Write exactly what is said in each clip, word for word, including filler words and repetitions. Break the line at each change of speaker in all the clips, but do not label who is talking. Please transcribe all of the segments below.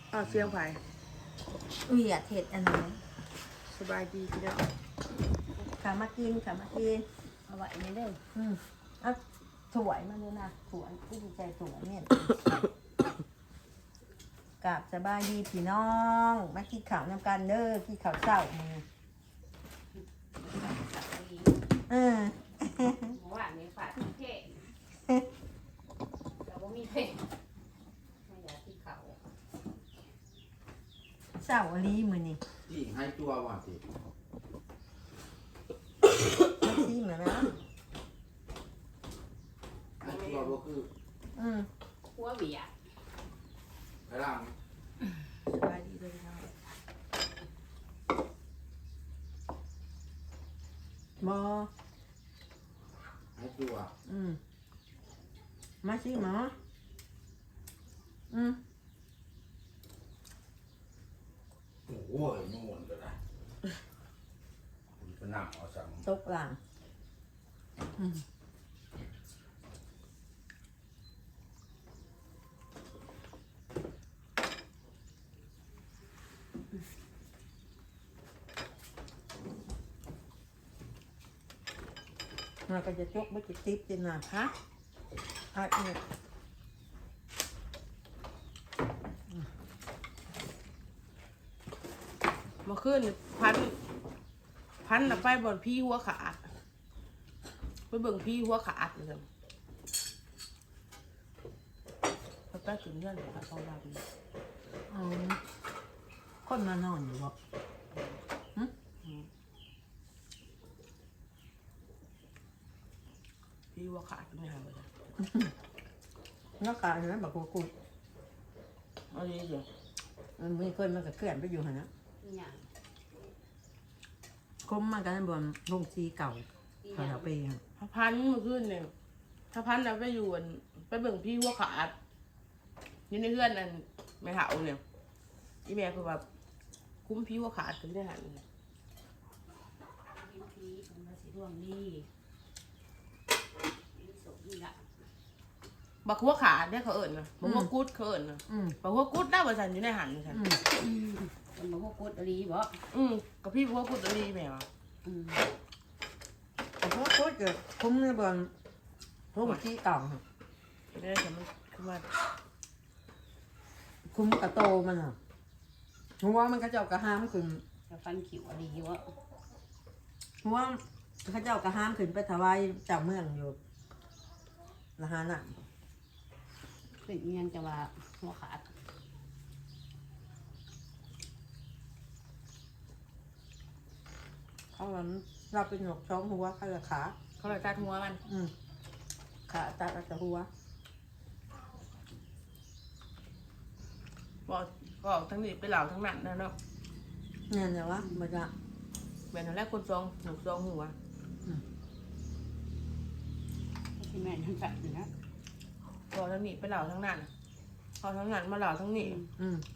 อ้าวเสียงไผ่
เวียดเห็ดอันนั้น
สบายดีพี่น้อง
ขามากินขามากิน
เอาไว้นี่เด้อ
อืมเอาสวยมาดูนะสวยที่ดีใจสวยเนี่ยกราบสบายดีพี่น้องมากินข้าวนำกันเด้อกินข้าวเช้ามือเออ
เมื่อวานนี้ฝาดเท่เราบ่มีเพชรไม่อยากที่เขา
เช้าอลีมือนี่
ที่ให้ตัวว่าสิ
มาซีมาแล้ว
ให้ตัวก็คือ
อืม
หัวเบียด
กระลัง
สบายดีเลยพี่น้อง
บอ
ให้ตัว
อืมมาซีหมออืม
โอ้โหนู่นก็ได้คุณก็นั่งเอาสั่ง
ตกหลังอืมเราก็จะจกไม่จะติ๊บจะหนาฮะอ่ะเนี่ย
มาขึ้นพันพันน่ะไปบ่อนพี่หัวขาดไปเบิ่งพี่หัวขาดเลยพอใต้ถึงเงื่อนเลยค่ะต้องรับนี่
อ๋อคนมานอนอยู่บ่หึ
พี่หัวขาดไม่หายเลย
นักการเห็นไหมบอกกูกู
อันนี้เดี๋ยว
มันมีคนมันก็เคลื่อนไปอยู่หันนะ
อีหยัง
คมมันกันบนลงซีเก่า
อีห
เขา
ยัง
เอาไปฮะ
พระพันธุ์มาขึ้นเนี่ยพระพันธุ์น่ะไปอยู่อันไปเบิ่งพี่หัวขาดอยู่ในเพื่อนนั่นไม่เห่าเนี่ยอีแม่คือแบบคุ้มพี่หัวขาดถึงได้หัน
กินพีมันมาสิดวงดีมีสมนี่ละ
บักหัวขาดเนี่ยเขาเอิญนะบักหัวกุดเขาเอิญนะ
อืม
บักหัวกุดได้บริษัทอยู่ในหันฉัน
อืม
มันบอกว่ากดอะไรบ่
อืมกับพี่หัวกุดดีแม่วะ
อืม
แต่พวกโคตรเกิดคุ้มในบนลงซีเก่าฮะ
ได้ฉันมันคือว่า
คุ้มกระโตมันอ่ะหัวมันก็เจ้ากระห้ามขึ้น
จะฟันขิวอะไรวะ
หัวเขาเจ้ากระห้ามขึ้นไปถวายเจ้าเมืองอยู่ละหาน่ะ
เป็นอีหยังจะว่าหัวขาด
เขาว่าเราเป็นหนกช้องหัวเขาจะขา
เขาเลยตัดหัวมัน
อืมขาตัดเอาจากหัว
บอกก็ออกทั้งนี้ไปเหล่าทั้งนั้นนะเนาะ
เนี่ยเนี่ยวะมันจะ
แม่นแรกคนซองหนูซองหัว
ที่แม่ยังจัดอยู่นะ
ก็ทั้งนี้ไปเหล่าทั้งนั้นพอทั้งนั้นมาเหล่าทั้งนี้
อืม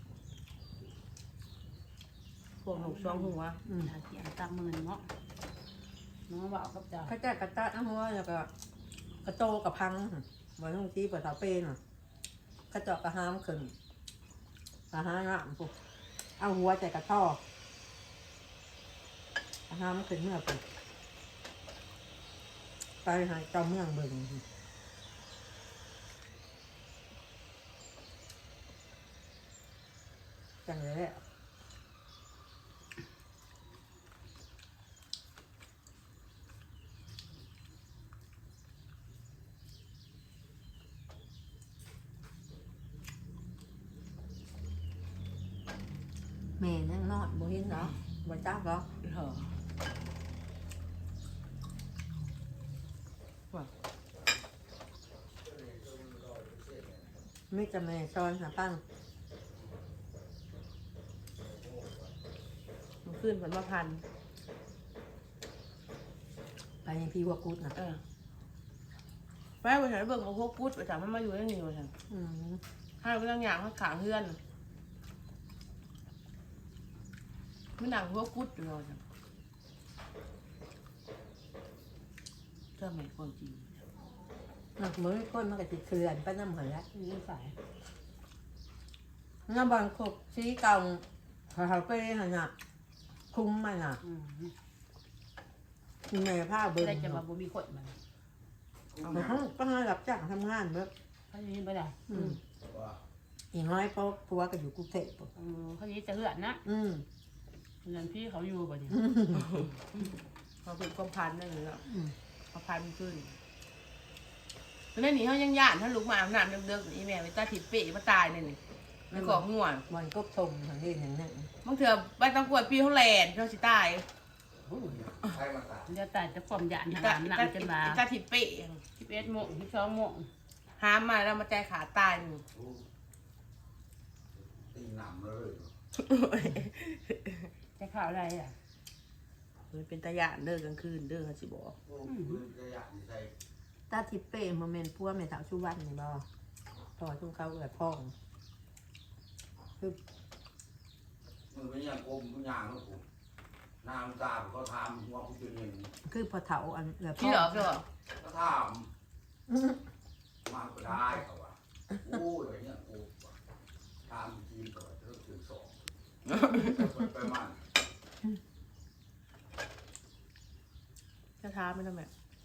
พวกหนูซองหัว
อืม
หาเสียงตามมือเนาะน้องบอกกับเจ้า
เขาจะกระตัดเอาหัวแล้วก็กระโตกระพังเหมือนที่เปิดเสาเป็นอ่ะกระเจาะกระห้ามขึ้นกระห้ามอ่ะปุ๊บเอาหัวใจกระท่อกระห้ามขึ้นเมื่อปุ๊บไปหาเจ้าเมืองเบิ่งจังเลยแหละแม่นั่งนอนบ่เห็นเหรอบ่จับเหรอ
เหรอว่า
ไม่จะแม่ซอนหาปั้ง
มันขึ้นผลมาพัน
ไปยังพี่วัวกุดนะ
เออไปไปฉันเบิ่งเอาพวกกุดไปถามมันมาอยู่ที่นี่มาฉัน
อืม
ให้ไปตั้งอย่างเขาขางเพื่อนไม่หนังพวกกุดอยู่เลยฉันเจ้าแม่คนจริง
หนักมือก้นมันก็ติดเขื่อนไปน้ำเหรอแล้ว
นี่สาย
น้ำบอลขบสีเก่าเขาไปหันน่ะคุ้มมันน่ะ
อืม
มีแม่ผ้าเบิ่ง
ได้จะมาบ่มีคนมัน
แต่เขาก็ให้รับจ้างทำงานเบิ่ง
เขาอย่างนี้บ่ได้
อืม
ว่า
อีน้อยเพราะผัวก็อยู่กรุงเทพฯ
เออเขาอย่างนี้จะเหือนนะ
อืม
เงินพี่เขาอยู่บ่เนี่ย
เขาเป็นความพันนั่นเลยเนาะ
อืม
เขาพันขึ้นตอนนั้นนี่เขายังย่านถ้าลูกมาอาบน้ำเดิมๆอีแม่ไปตาถิดเป๋มาตายเนี่ยนี่ในกอกง่วง
บอลก็ชมทางนี้อย่างนั้น
บางเถื่อไปต้องกวดปีเขาแลนเขาสิตาย
ใครมาตาย
เดี๋ยวตายจะความหยาด
อี
หา
ตา
หนักจนมา
อีตาถิดเป๋
สิบเอ็ดโมงสิบสองโมง
หามมาแล้วมาใจขาตายนี่
ตีหนำเลย
จะข่าวอะไรอ่ะ
มันเป็นตาหยานเด้อกลางคืนเด้อเขาสิบอก
โอ้ปืนกระยะนี่ใส่
ตาทิพเป้โมเมนต์พัวแม่สาวชูวันนี่บ่พอชุ่มเขาเกิดพ่อง
มือเป็นอย่างกลมเป็นอย่างแล้วผมนางตาเขาทำหัวคุณจะเห็น
คือพอเถาอันเกิดพ่
พี่
อ
เหรอพี่เหรอ
ก็ทำมาก็ได้เขาว่าโอ้ยอย่างเงี้ยกูทำทีมต่อเรื่องถึงสองไปมัน
จะท้าไม่ได้ไหม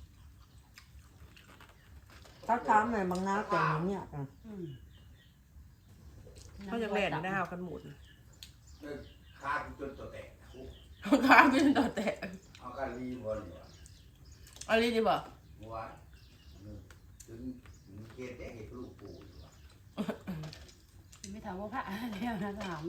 เขาถามแม่บางนาแต่งอย่างเนี้ยอ่ะ
อืม
เขาจะแลนได้ห้าวกันหมด
ฆ่าจนตัวแตก
เขาค้างเป็นต่อแตะ
เอาการรีบอลอยู่
อะไรดีบ่
เมื่อวานถึงเกตได้เห็นลูกปู่อยู่
ไม่ถามว่าพระแล้วนะถาม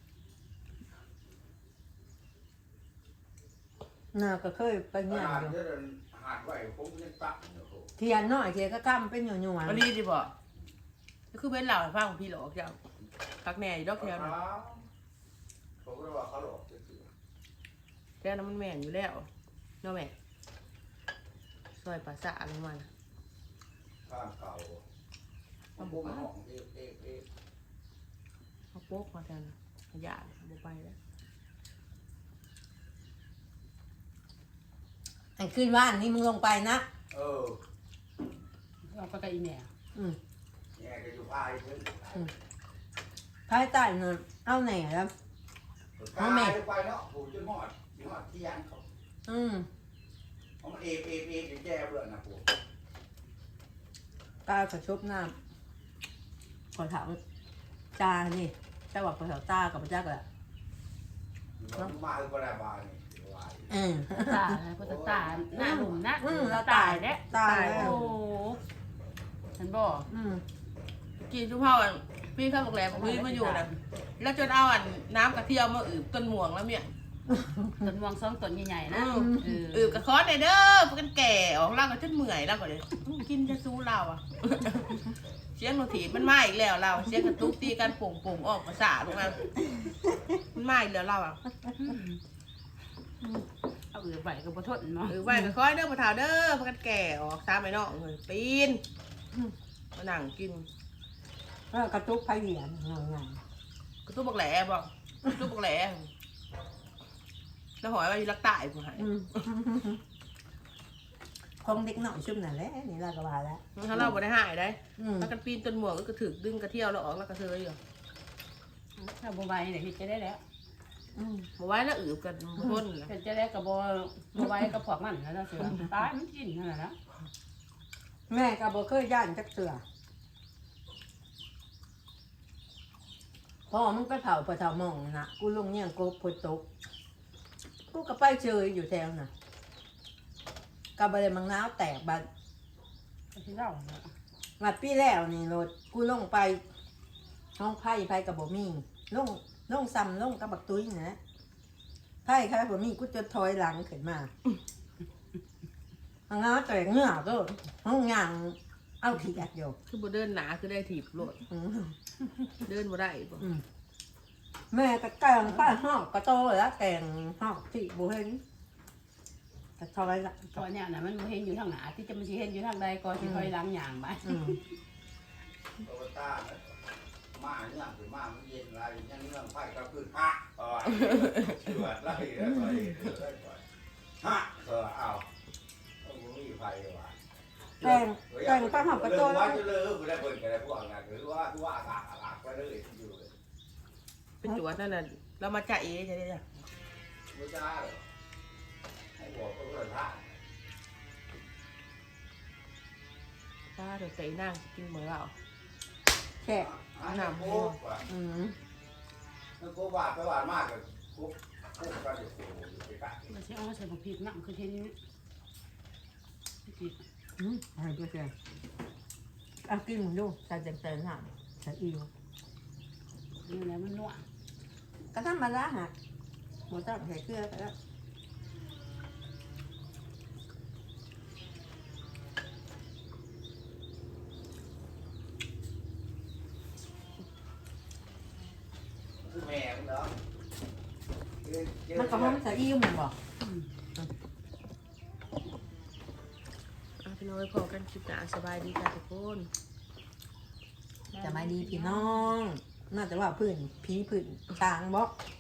น่าก็เคยไป
ข
เงี้ย
นาด
อยู่
เดินหาดไว้ผมยังตักอยู่
เทียนน้อยเทียนก็ก้ำเป็นหน่วยหน่วย
อะไรดีบ่ก็คือเป็นเหล่าให้ฟังของพี่หลอกเจ้าพักแหน่อยู่ดอกแถวนั้น
ผมก็ว่าเขาหลอกจะคือ
แถวนั้นมันแม่นอยู่แล้วเนาะแม่ซอยภาษาลงมาน่ะ
ข้ามเก่าผมบอกห้องเอ๊ะเอ๊ะเอ๊ะ
เขาโป๊กมาแทนขยะบ่ไปแล้ว
ไอ้ขึ้นว่านนี่มึงลงไปนะ
เออ
เราไปกับอีแม่
อืม
เนี่ยก็อยู่ภายเพิ่ง
ภายใต้นั่นเอาไหนแล้ว
กายไปเนาะผูกจนหอดจนหอดที่ยันเขา
อืม
เขามันเอ๊ะเอ๊ะเอ๊ะจะแย่เบื่อนะผูก
กายกระชบน้ำขอถามจานี่เจ้าบอกขอถามตากับพระเจ้าก็
มันมาคือประดาบานี่วาย
เออ
ตาพุทธตาหน้าหนุ่มนะ
อืมเรา
ตา
ตาย ย
แล้ว
ตายแล้ว
โอ้ฉันบอก
อืม
กินชุบเผาอ่ะพี่ข้าวโรงแรมพี่มาอยู่น่ะแล้วจนเอาอันน้ำกระเทียมมาอืบต้นม่วงแล้วเนี่ย
ต้นม่วงสองต้นใหญ่ๆนะ
อืม
เออ
อืบกระคอนเลยเด้อพวกกันแก่ออกเล่ากันจนเมื่อยแล้วก็เลยกินจะสู้เราอ่ะ เสียงโนถีมันมาอีกแล้วเราเสียงกระตุกตีกันโป่งโป่งๆออกภาษาลงมามันมาอีกแล้วเราอ่ะ
เอาเอือไปกับบ่ทนเนาะ
หรือไว้ก็คอยเด้อปะเถาเด้อพวกกันแก่ออกซ้ำไปเนาะเลยปีนมานั่งกิน
แล้วกระตุกไผ่เหรียญงงง
กระตุกบักแหล่บอกกระตุกบักแหล่แล้วหอยว่าอยู่รักตายผู้หาย
อืมคงเด็กหน่อยชุ่มนั่นแหละนี่เราก็ว่าแล้ว
ถ้าเราบ่ได้หายได้
อืม
ถ้ากันปีนต้นหมวกก็กระถึกดึงกระเที่ยวแล้วออกแล้วกระเทยอยู่
ถ้าบ่ไหวเนี่ยเฮ็ดจะได้แล้ว
อืม
บ่ไว้แล้วอืบกันพ่นนะ
เฮ็ดจะได้กับบ่บ่ไหวกับพวกมันแล้วเสือตายมันกินนั่นแหละนะ
แม่ก็บ่เคยย่านจักเสือพ่อมึงไปเผาปะเผามองนะกูลงเนี่ยกูพดตกกูก็ไปเจออยู่แถวน่ะกับบะเลยมังน้าวแตกบัด
ก็สิเล่าเนาะ
บัดปีแล้วนี่รถกูลงไปห้องไพ่ไพ่กับบ่มีลงลงซ้ำลงกับบักตุ้ยนะไพ่ครับบ่มีกูจะถอยหลังขึ้นมามังน้าวแตกเหงื่อก็ห้องงางเอาขี้อัดอยู่
คือบ่เดินหนาคือได้ถีบโลด
อืม
เดินบ่ได้บ่
อืมแม่ก็แกงป้าหอกกระโตแล้วแกงหอกที่บุเห็นกระทอยละ
ตอนเนี้ยน่ะมันบ่เห็นอยู่ทางหน้าที่จะมันสิเห็นอยู่ทางใดก็สิถอยหลังย่างไป
อืม
โตต้ามาเนี่ยถึงมามันเย็นไรยังเรื่องไฟก็คือฮะต่อเชื่อไล่แล้วต่อยไล่ต่อยฮะเออเอาต้องมีไฟว่ะ
แกงแกงป้าหอกกระโต
ว่า
แล้ว
จะเลิกไม่ได้เปิดกันเลยพวกนั้นหรือว่าว่าอากาศอากาศไปเลยอยู่เลย
แ
เป็นจวดนั่นน่ะเรามาจ่าเอจะได้จ้ะ
ไม่ได้หรอกให้บอกก็เลยท่า
ป้าเดี๋ยวเตะนั่งกินเหมือนเรา
แค่
หนำโคกว่ะ
อืม
นั่นโคกบาดไปบาดมากเลยโคกโคกก็จะโคกอยู่ไปกัด
เราใช้เอาใส่ผักพริกน้ำคือเช่นนี้พริก
อืมอะไรก็แค่เอากินมึงดูใส่แตงๆหน่ะใส่อิว
นี่แหละมันนัว
ก็ธรรมดาฮะหมูต้องใส่เกลือก็ได้
คือแม่มันเนาะ
มันก็หอมใส่อิวเหมือนบอก
อ่ะพี่น้อยพอกันคลิปหน้าสบายดีค่ะทุกคน
จะไม่ดีพี่น้องน่าจะว่าพื้นผีพื้นช้างบอก
พ